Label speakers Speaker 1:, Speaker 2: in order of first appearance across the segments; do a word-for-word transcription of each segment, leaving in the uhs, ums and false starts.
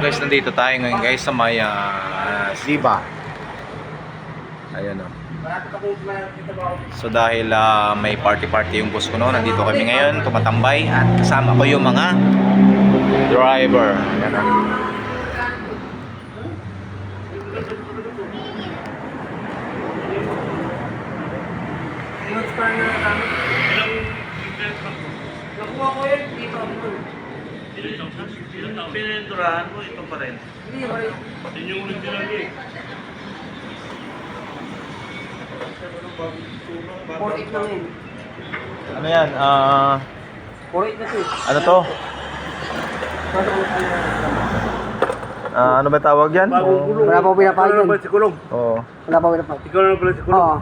Speaker 1: guys, nandito tayo ngayon guys sa may uh, Ziba. Ayan o. So dahil uh, may party-party yung bus ko no, nandito kami ngayon, tumatambay at kasama ko yung mga driver. Ayan o.
Speaker 2: Nakuha ko yun dito.
Speaker 3: Pininturahan mo, ito pa rin.
Speaker 2: Hindi pa rin.
Speaker 3: Yun yung original eh.
Speaker 2: four eight lang yun.
Speaker 1: Ano yan? Uh,
Speaker 2: four eight na to eh.
Speaker 1: ano to? Uh, ano ba tawag yan?
Speaker 3: Bagong gulong.
Speaker 2: Wala pa ko pinapahid
Speaker 3: Ikaw na
Speaker 2: yun.
Speaker 3: pala si Kulong.
Speaker 1: Oo.
Speaker 2: Wala pa ko pinapahid.
Speaker 3: Ikaw na pala si Kulong.
Speaker 2: Oo.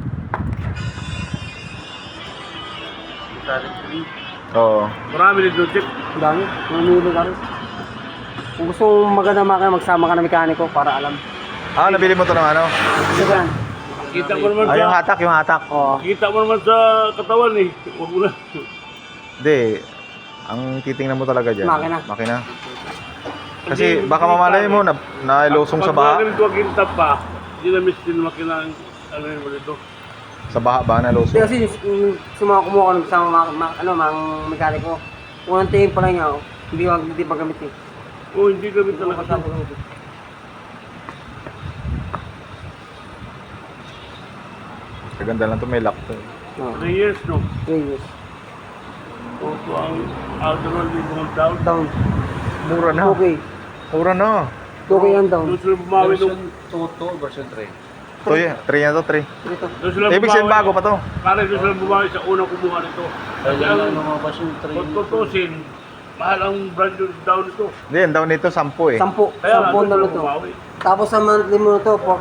Speaker 1: Oo.
Speaker 3: Marami din doon, Chip.
Speaker 2: Ang dami. Mamili ka rin. Kung gusto mong maganda makina, magsama ka ng mekaniko para alam.
Speaker 1: Ah, nabili mo to ng ano?
Speaker 2: Ito yan.
Speaker 3: Kita mo naman
Speaker 1: Ah,
Speaker 3: sa...
Speaker 1: yung hatak, yung hatak.
Speaker 2: Oo.
Speaker 3: Kita mo naman sa katawan eh. Huwag mo na.
Speaker 1: Hindi. Ang titingnan mo talaga dyan.
Speaker 2: Makina.
Speaker 1: Makina. Kasi baka mamalay mo na nailusong sa
Speaker 3: Pag
Speaker 1: baha.
Speaker 3: ganito ang kintab pa, hindi na miss din makina ang ano yun mo dito.
Speaker 1: Sa baha ba
Speaker 2: Hindi
Speaker 1: nalusong?
Speaker 2: kasi yung sumama kumuha ko ng kasama mga, mga, ano, mga mekaniko. Unang tingin pa lang niya, oh, hindi wag hindi pa gamit eh.
Speaker 3: Oo, hindi kami talaga
Speaker 2: Kasama
Speaker 3: ito.
Speaker 2: gamit eh.
Speaker 1: Kaganda lang to, may lock to.
Speaker 2: Oo.
Speaker 3: three years, no?
Speaker 2: three years.
Speaker 3: Opo ang Alderol din mga down.
Speaker 2: Down.
Speaker 1: Mura na.
Speaker 2: Okay.
Speaker 1: Mura na.
Speaker 2: Okay yan down.
Speaker 3: Doon sila bumawi nung...
Speaker 1: To yan. three na to, three.
Speaker 2: Dito.
Speaker 3: Doon sila
Speaker 1: Ibig sabihin bago pa to.
Speaker 3: Pare doon sila bumawi sa unang kumuha nito. Kasi ang kung tutusin, mahal ang brand new down ito.
Speaker 1: Hindi, ang down nito, sampu eh.
Speaker 2: Sampu.
Speaker 3: Kaya nga,
Speaker 2: Sampu
Speaker 3: doon
Speaker 2: na
Speaker 3: sila
Speaker 2: to.
Speaker 3: bumawi.
Speaker 2: Tapos sa monthly mo na to, four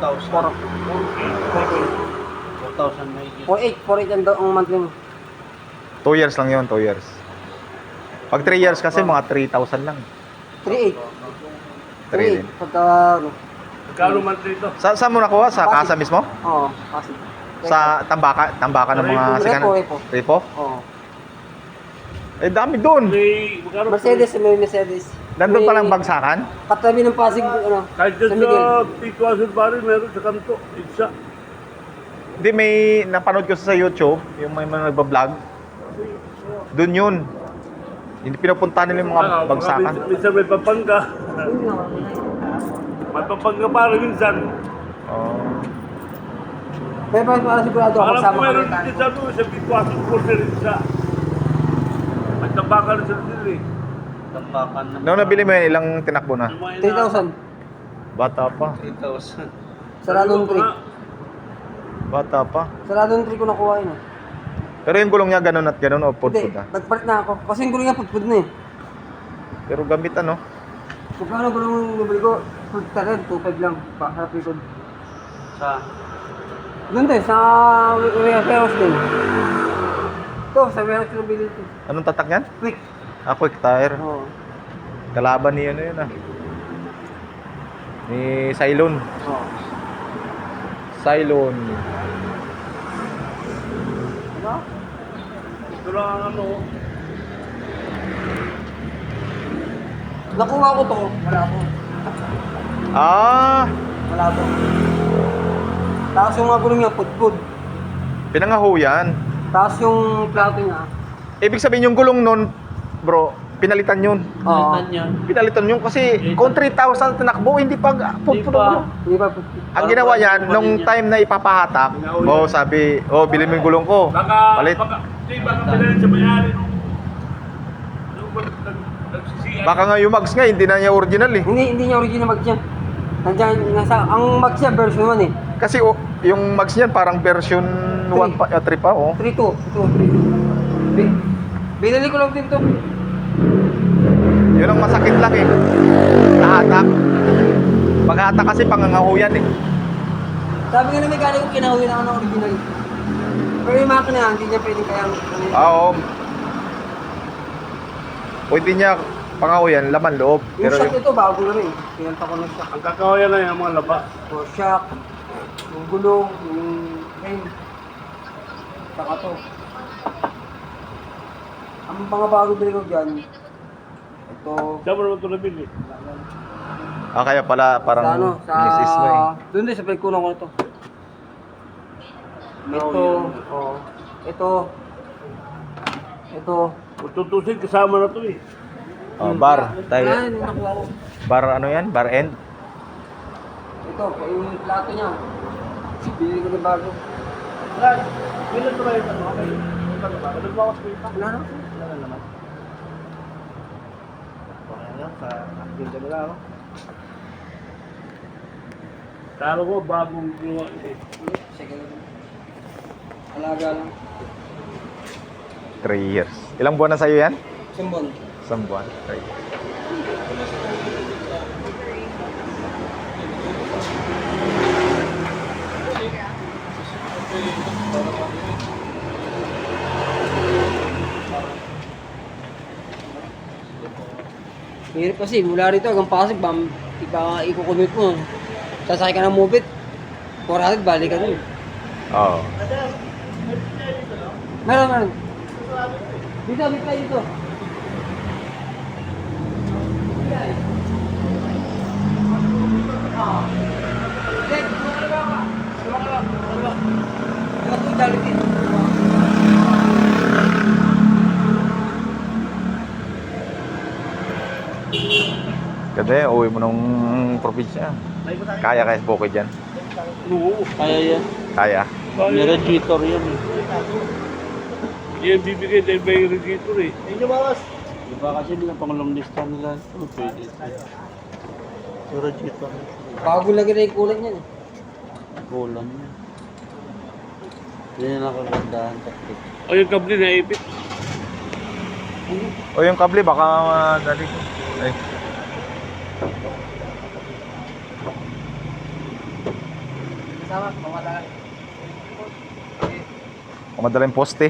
Speaker 2: eight. four eight ang do- ang monthly mo.
Speaker 1: two years lang yun, two years. Pag three years kasi, mga three thousand lang.
Speaker 2: three eight.
Speaker 1: three din.
Speaker 2: Pagka, ano.
Speaker 3: Magkano man dito?
Speaker 1: Sa, saan mo nakuha? Sa
Speaker 2: Pasig.
Speaker 1: kasa mismo?
Speaker 2: Oo, kasi.
Speaker 1: Sa tambaka, tambaka ng mga
Speaker 2: Repo,
Speaker 1: sikan?
Speaker 2: repo.
Speaker 1: Repo?
Speaker 2: Oo.
Speaker 1: Eh, dami dun.
Speaker 3: May... Magkano?
Speaker 2: Mercedes, may Mercedes.
Speaker 1: Nandun
Speaker 2: May-
Speaker 1: palang bagsakan?
Speaker 2: Katabi ng Pasig, ano,
Speaker 3: Kahit
Speaker 2: San
Speaker 3: dyan
Speaker 2: Miguel.
Speaker 3: sa Tituason pa rin, meron sa kanto. Isa.
Speaker 1: Hindi, may napanood ko sa YouTube, yung may mga nagbablog. Doon yun. Hindi pinupuntahan nila yung mga
Speaker 3: Ah,
Speaker 1: bagsakan.
Speaker 3: Minsan, minsan may papangga. May papangga pa rin minsan.
Speaker 1: Oh.
Speaker 2: Pero para para sigurado ako
Speaker 3: Alam ko
Speaker 2: kasama
Speaker 3: meron
Speaker 2: kami
Speaker 3: din
Speaker 2: tayo.
Speaker 3: sa doon, sa Tituason po rin isa. May tabakan sa doon eh.
Speaker 1: Noong nabili mo yun, ilang tinakbo na?
Speaker 3: Yung mga
Speaker 2: three thousand.
Speaker 1: Bata pa.
Speaker 2: Saradong three.
Speaker 1: Bata pa.
Speaker 2: Saradong three ko nakuha yun. eh.
Speaker 1: Pero yung gulong niya ganun at ganun o
Speaker 2: Hindi,
Speaker 1: pudpud na.
Speaker 2: nagpalit na ako. Kasi yung gulo niya pudpud na eh.
Speaker 1: Pero gamit ano?
Speaker 2: Kung paano gulo yung nabili ko, pud talaga, two five lang. Pa, harap likod.
Speaker 3: Sa...
Speaker 2: Doon din, sa warehouse din. Ito, sa warehouse yung nabili ito.
Speaker 1: Anong tatak niyan?
Speaker 2: Quick.
Speaker 1: Ah, quick tire.
Speaker 2: Oo.
Speaker 1: Kalaban ni ano yun ah. Ni Cylon.
Speaker 2: Oo.
Speaker 1: Cylon.
Speaker 2: Ano?
Speaker 3: Ito lang ang ano.
Speaker 2: Nakuha ko to. Wala ko.
Speaker 1: Ah!
Speaker 2: Wala ko. Tapos yung mga gulo niya, pudpud.
Speaker 1: Pinangaho yan.
Speaker 2: Tapos yung plato niya.
Speaker 1: Ibig sabihin yung gulong nun, bro, pinalitan yun.
Speaker 2: Oo.
Speaker 1: Pinalitan yun kasi kung three thousand tinakbo, hindi pa pudpud ang gulong.
Speaker 2: Hindi pa pudpud.
Speaker 1: Ang ginawa niyan, nung time na ipapahatak, oh sabi, oh bilhin mo yung gulong ko.
Speaker 3: Baka...
Speaker 1: Palit.
Speaker 3: Baka... Hindi, baka pinalin sa mayari nung... Nung nag- nagsisiyan.
Speaker 1: Baka nga yung mags nga, hindi na niya original eh.
Speaker 2: Hindi, hindi niya original mag yan. Nandiyan, nasa, ang mag siya version one eh.
Speaker 1: Kasi oh, yung mags niyan parang version one pa, uh, three pa oh.
Speaker 2: three two. Ito, three two. Bi- Binili ko lang din to.
Speaker 1: Yun ang masakit lang eh. Nahatak. Paghatak kasi pangangahuyan eh.
Speaker 2: Sabi nga na mekaniko, kinahuwi na ako ng original. Pero yung makina, hindi niya pwedeng kayang...
Speaker 1: Ah, oo. Pwede niya pangahuyan, laman loob.
Speaker 2: Yung
Speaker 1: Pero
Speaker 2: shock
Speaker 1: yung,
Speaker 2: ito, bago na rin. Pinanta ko ng shock.
Speaker 3: Ang kakawayan na yung mga laba.
Speaker 2: O shock, yung gulong, yung ring. Saka to. Ang mga bago bili ko dyan, ito,
Speaker 3: Saan mo naman ito nabili?
Speaker 1: Ah, kaya pala parang
Speaker 2: Sa ano, sa...
Speaker 1: misis mo eh.
Speaker 2: Doon din, sa pagkulang ko ito. Ito, oh. Ito. Ito.
Speaker 3: Kung tutusin, kasama na to eh.
Speaker 1: Oh, bar.
Speaker 2: Wala,
Speaker 1: Tayo.
Speaker 2: yung nakuha ko.
Speaker 1: Bar ano yan? Bar end?
Speaker 2: Ito, yung plato niya. Bili ko na bago.
Speaker 3: Wala, bilang na ba yung ano? Ano ba? Nagbawas ko yung pa?
Speaker 2: Wala na.
Speaker 3: Wala na naman. Okay na, sa acting ka nila, no? Taro ko, bagong ginawa eh.
Speaker 2: Sige lang. Alaga lang.
Speaker 1: Three years. Ilang buwan na sa'yo yan?
Speaker 2: Sumbon.
Speaker 1: Isang buwan. Three years.
Speaker 2: Hirap kasi, mula rito hanggang Pasig, bam, iba ikukumit mo. Sasakay ka ng mobit. four hundred, balik ka dun.
Speaker 1: Oo.
Speaker 2: Meron, meron. Dito, dito tayo dito.
Speaker 1: Ganda eh, uwi mo ng probinsya. Kaya kaya sa bukid yan?
Speaker 3: Oo, kaya yan.
Speaker 1: Kaya.
Speaker 3: May radiator yan eh. Yan bibigay dahil may radiator eh. Ayun yung bawas. Diba kasi nila pang long distance nila. Oh, pwede. So radiator.
Speaker 2: Bago lagi na yung kulay niyan.
Speaker 3: Kulang yan. Yan yung nakagandahan. O yung kable na ipit.
Speaker 1: O yung kable baka madali ko. Ay.
Speaker 2: Kasama, pamatagal.
Speaker 1: Madalang poste.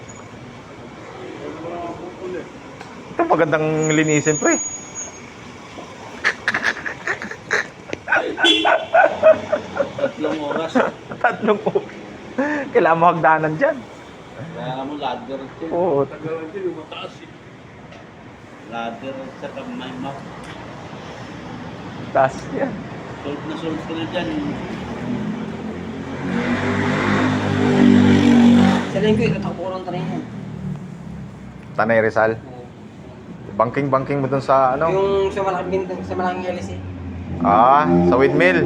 Speaker 1: Ito magandang linisin pre.
Speaker 3: Tatlong oras.
Speaker 1: Tatlong oras. Kailangan mo hagdanan dyan.
Speaker 3: Kaya mo ladder ito.
Speaker 1: Oo.
Speaker 3: Tagalan din yung mataas eh. Ladder sa kamay mo.
Speaker 1: Taas yan.
Speaker 3: Sold na sold ko na dyan.
Speaker 2: Sa linggo, itatakbo ko ng train yan.
Speaker 1: Tanay Rizal. Banking-banking mo dun sa ano?
Speaker 2: Yung sa malaking bintang, sa malaking L C.
Speaker 1: Ah, sa windmill.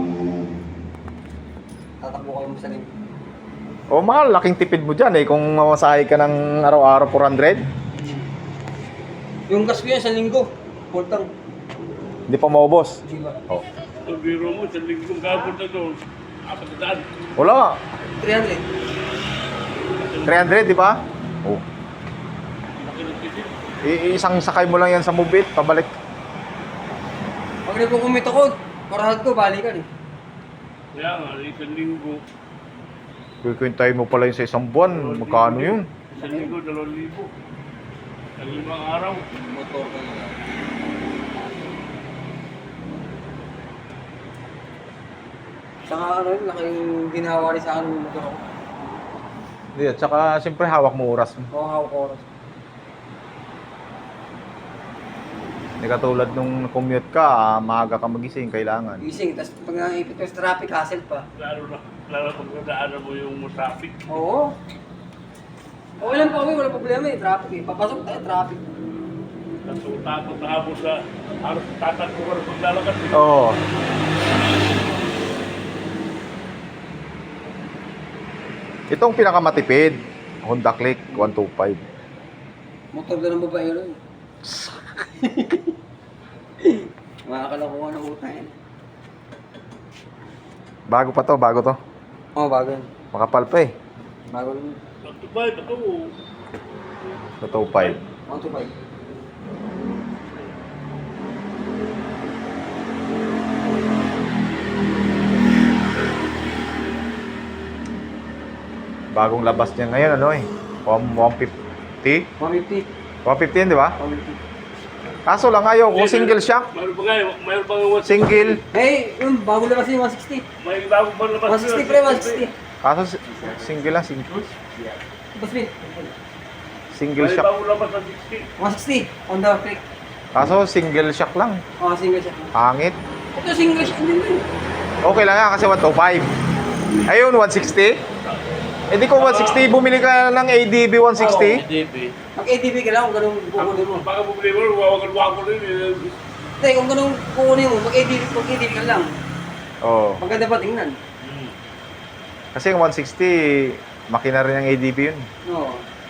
Speaker 2: Tatakbo kayo mo sa linggo.
Speaker 1: O mahal, laking tipid mo dyan eh. Kung mamasahe ka ng araw-araw four hundred.
Speaker 2: Yung gas ko yan sa linggo. Full tank.
Speaker 1: Hindi pa maubos.
Speaker 2: Di ba?
Speaker 1: Oh.
Speaker 3: Ang biro mo, sa linggong gabon na doon. Apat na daan.
Speaker 1: Wala.
Speaker 2: three hundred.
Speaker 1: three hundred, di ba? Oh.
Speaker 3: Laki ng titin.
Speaker 1: I- isang sakay mo lang yan sa mubit, pabalik.
Speaker 2: Pag nagkukumit ako, four hundred ko, balikan eh.
Speaker 3: Kaya nga, isang linggo.
Speaker 1: Kukwintahin mo pala yun sa isang buwan. Magkano yun?
Speaker 3: Isang linggo, dalawang libo. Ang limang araw.
Speaker 2: Motor ka na. Saka ano yun, laking ginawa rin sa akin yung motor ako.
Speaker 1: Hindi, at saka siyempre hawak mo oras mo.
Speaker 2: Oo, hawak ko oras.
Speaker 1: Hindi katulad nung commute ka, ah, maaga ka magising, kailangan.
Speaker 2: Gising, tapos pag naipit ko sa traffic, hassle pa.
Speaker 3: Lalo na, lalo pag nadaanan mo yung traffic.
Speaker 2: Oo. Okay lang po kami, wala problema eh, traffic eh. Papasok tayo, traffic.
Speaker 3: Tapos takot na ako sa halos tatakbo ka na paglalakad. eh.
Speaker 1: Oo. Itong pinakamatipid, Honda Click one twenty-five.
Speaker 2: Motor na ng babae rin. Makakalakuha ng utang yan.
Speaker 1: Bago pa to, bago to.
Speaker 2: Oo, oh, bago yan.
Speaker 1: Makapal pa eh.
Speaker 2: Bago lang.
Speaker 3: Pagtubay, bato.
Speaker 1: two twenty-five.
Speaker 2: one to five.
Speaker 1: Bagong labas niya ngayon, ano eh. one fifty?
Speaker 2: one fifty.
Speaker 1: one fifty yun, di ba?
Speaker 2: one fifty.
Speaker 1: Kaso lang ayaw, kung single shock.
Speaker 3: Mayroon pa nga, mayroon pa nga one sixty.
Speaker 1: Single.
Speaker 2: Hey, yun, bago labas yung one sixty.
Speaker 3: May bago pa labas.
Speaker 2: one sixty pre, one sixty.
Speaker 1: Kaso si- single lang, single.
Speaker 2: Boss Bin,
Speaker 1: Single
Speaker 3: May
Speaker 1: shock.
Speaker 3: bago labas ng sixty.
Speaker 2: one sixty on the click.
Speaker 1: Kaso single shock lang.
Speaker 2: Oh, single shot.
Speaker 1: Pangit.
Speaker 2: Ito single shot din yun.
Speaker 1: Okay lang yan kasi one twenty-five. Ayun, one sixty. Eh di ko one sixty, bumili ka ng A D B one sixty.
Speaker 3: D P.
Speaker 2: Mag-A D B ka lang kung ganun kukunin mo.
Speaker 3: Baka bumili mo, wawagan-wagan rin eh.
Speaker 2: Hindi, kung ganun kukunin mo, mag-A D B, mag-A D B ka lang.
Speaker 1: Oo.
Speaker 2: Maganda pa tingnan.
Speaker 3: Hmm.
Speaker 1: Kasi yung one sixty, makina rin ng A D B yun.
Speaker 2: Oo.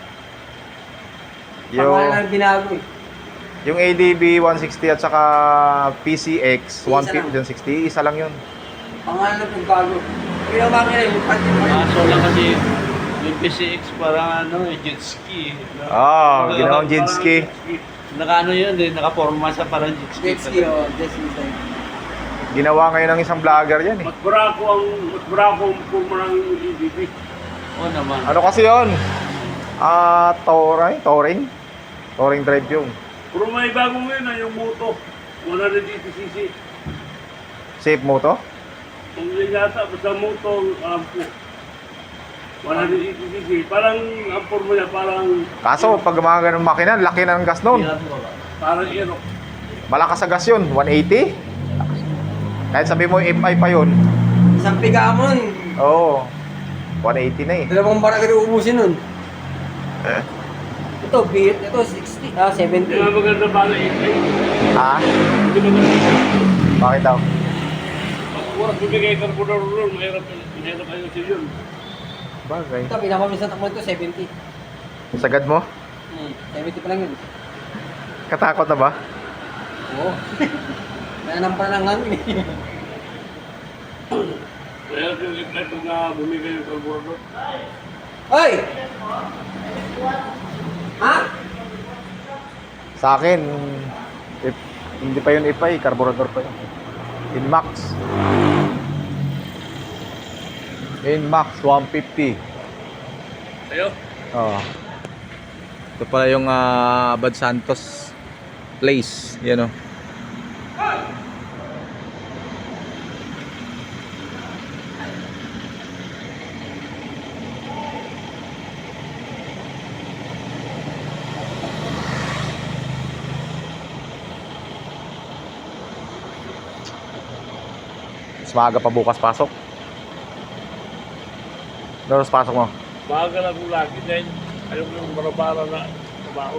Speaker 1: Yung,
Speaker 2: Pangalan lang binago eh.
Speaker 1: yung A D B one sixty at saka P C X
Speaker 2: Isa
Speaker 1: one
Speaker 2: lang.
Speaker 1: sixty, isa lang yun.
Speaker 2: Pangalan lang bago. Yung ang makina yung pati.
Speaker 3: Kaso lang kasi yung P C X parang ano eh, jet ski.
Speaker 1: Ah, ginawang jet
Speaker 3: Parang
Speaker 1: ski.
Speaker 3: Naka ano yun eh, nakaporma sa parang jet ski.
Speaker 2: Jet ski o, jet ski side.
Speaker 1: Ginawa ngayon ng isang vlogger yan eh.
Speaker 3: Mas barako ang, mas barako ang purma ng A D P. Oo naman.
Speaker 1: Ano kasi yun? Ah, touring? Touring? Touring drive yung.
Speaker 3: Pero may bago ngayon na yung moto. one eighty c c.
Speaker 1: Safe mo to?
Speaker 3: Kung yun yata, basta moto, alam ko. one eighty c c. Parang ang purma niya, parang...
Speaker 1: Kaso pag mga ganun makina, laki na ng gas nun.
Speaker 3: Parang aero.
Speaker 1: Malakas sa gas yun, one eighty. Kahit sabi mo F I pa yun.
Speaker 2: Isang piga mo nun.
Speaker 1: Oo. one eighty na eh.
Speaker 2: Dalawang barang ka ubusin nun. Ito, beat. Ito, sixty. Ah, seventy.
Speaker 3: Hindi nga maganda pala ikay.
Speaker 1: Ha?
Speaker 3: Hindi maganda.
Speaker 1: Bakit daw?
Speaker 3: Pag oras bibigay ka po na ron, mahirap mahirap kayo sa yun.
Speaker 1: Bagay.
Speaker 2: Ito, pinakamilis na takbo ito, seventy.
Speaker 1: Sagad mo?
Speaker 2: Hmm, seventy pa lang yun.
Speaker 1: Katakot na ba?
Speaker 2: Oo. Nanampa na ng hangin eh.
Speaker 3: Mahirap yung ikay kung na bumigay yung carburetor.
Speaker 2: Hoy! Ha?
Speaker 1: Sa akin, if, hindi pa yun F I, carburetor pa yun. Inmax. Inmax one fifty.
Speaker 3: Ayo.
Speaker 1: Oo. Ito pala yung uh, Abad Santos Place. Yan o. Mas maaga pa bukas pasok. Doros pasok mo.
Speaker 3: Baga lang kung lagi dahil ayaw ko yung barabara na trabaho.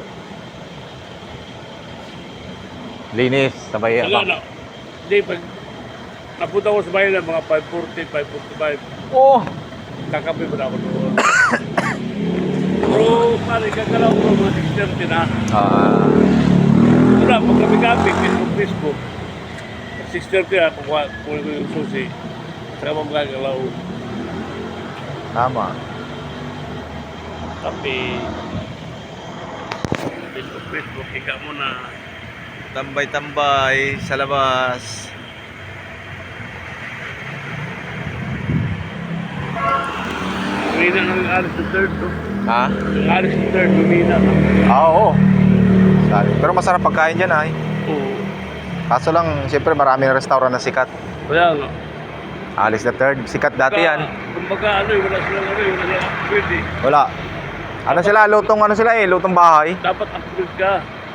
Speaker 1: Linis, sabay
Speaker 3: Wala
Speaker 1: apa.
Speaker 3: na. Hindi, pag napunta ko sa bayan ng mga five forty, five forty-five,
Speaker 1: Oh!
Speaker 3: kakape mo na ako doon. Pero, pare, kagalaw ko mga six thirty na.
Speaker 1: Ah,
Speaker 3: Ito na, pag kami-kape, Facebook, Facebook. six thirty na, kukuha ko yung susi. Saka mo magagalaw.
Speaker 1: tama.
Speaker 3: Kape. Facebook, Facebook, ika mo na.
Speaker 1: Tambay-tambay sa labas.
Speaker 3: Kumina ng alis sa third, no?
Speaker 1: Ha?
Speaker 3: Yung alis sa third, kumina.
Speaker 1: Ah, oo. Sabi. Pero masarap pagkain dyan ay.
Speaker 3: Oo.
Speaker 1: Kaso lang, siyempre maraming restaurant na sikat.
Speaker 3: Kaya nga.
Speaker 1: Alice the Third, sikat dati yan.
Speaker 3: Kumbaga ano, eh, wala silang ano, eh, wala silang upgrade eh.
Speaker 1: Wala. Ano sila, lutong ano sila eh, lutong bahay.
Speaker 3: Dapat upgrade ka.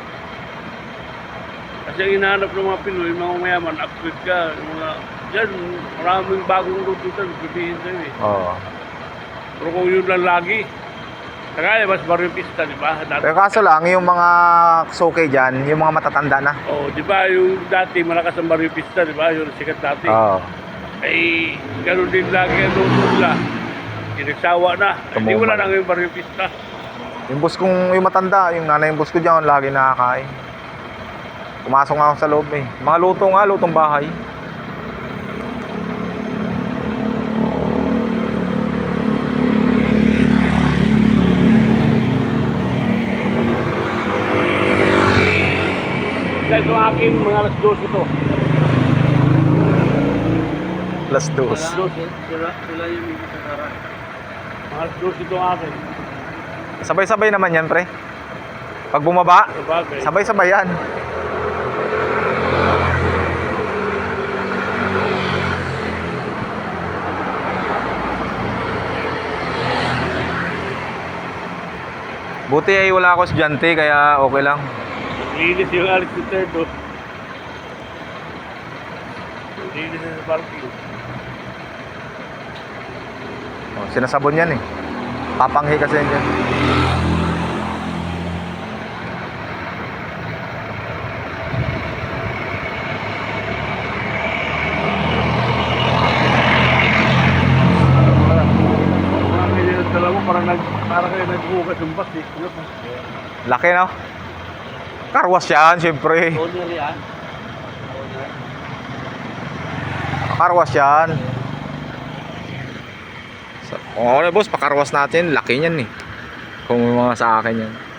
Speaker 3: Kasi ang hinahanap ng mga Pinoy, mga mayaman, upgrade ka. Yung mga, yan, maraming bagong luto dyan, sabihin sa'yo eh.
Speaker 1: Oo.
Speaker 3: Pero kung yun lang lagi, kaya mas baryo pista, di ba? Dati,
Speaker 1: Pero kaso lang, yung mga suke dyan, yung mga matatanda na.
Speaker 3: oh, di ba, yung dati, malakas ang baryo pista, di ba? Yung sikat dati.
Speaker 1: Oo.
Speaker 3: Ay, gano'n din lagi ang luto nila. Inagsawa na. Hindi wala na ngayon baryo pista.
Speaker 1: Yung bus kong, yung matanda, yung nanay yung bus ko dyan, lagi nakakain. Pumasok nga ako sa loob eh. Mga luto nga, lutong bahay.
Speaker 3: Dahil ito akin, mga alas dos ito.
Speaker 1: Plus dos.
Speaker 3: Alas dos, eh. Sila, sila yung hindi sa karan. Mga alas dos ito akin.
Speaker 1: Sabay-sabay naman yan, pre. Pag bumaba,
Speaker 3: Sabagay.
Speaker 1: sabay-sabay yan. Buti ay wala ako estudyante, kaya okay lang.
Speaker 3: Linis yung Alex Duterte. Linis na sa parking.
Speaker 1: Oh, sinasabon yan eh. Papanghi kasi yan dyan.
Speaker 3: Mga ganyan ang dala mo, parang nag, parang kayo nagbukas yung bus eh.
Speaker 1: Laki no? Karwas yan, siyempre.
Speaker 3: Owner yan.
Speaker 1: Karwas yan. So, kung ako na boss, pakarwas natin, laki niyan eh. Kung mga sa akin yan.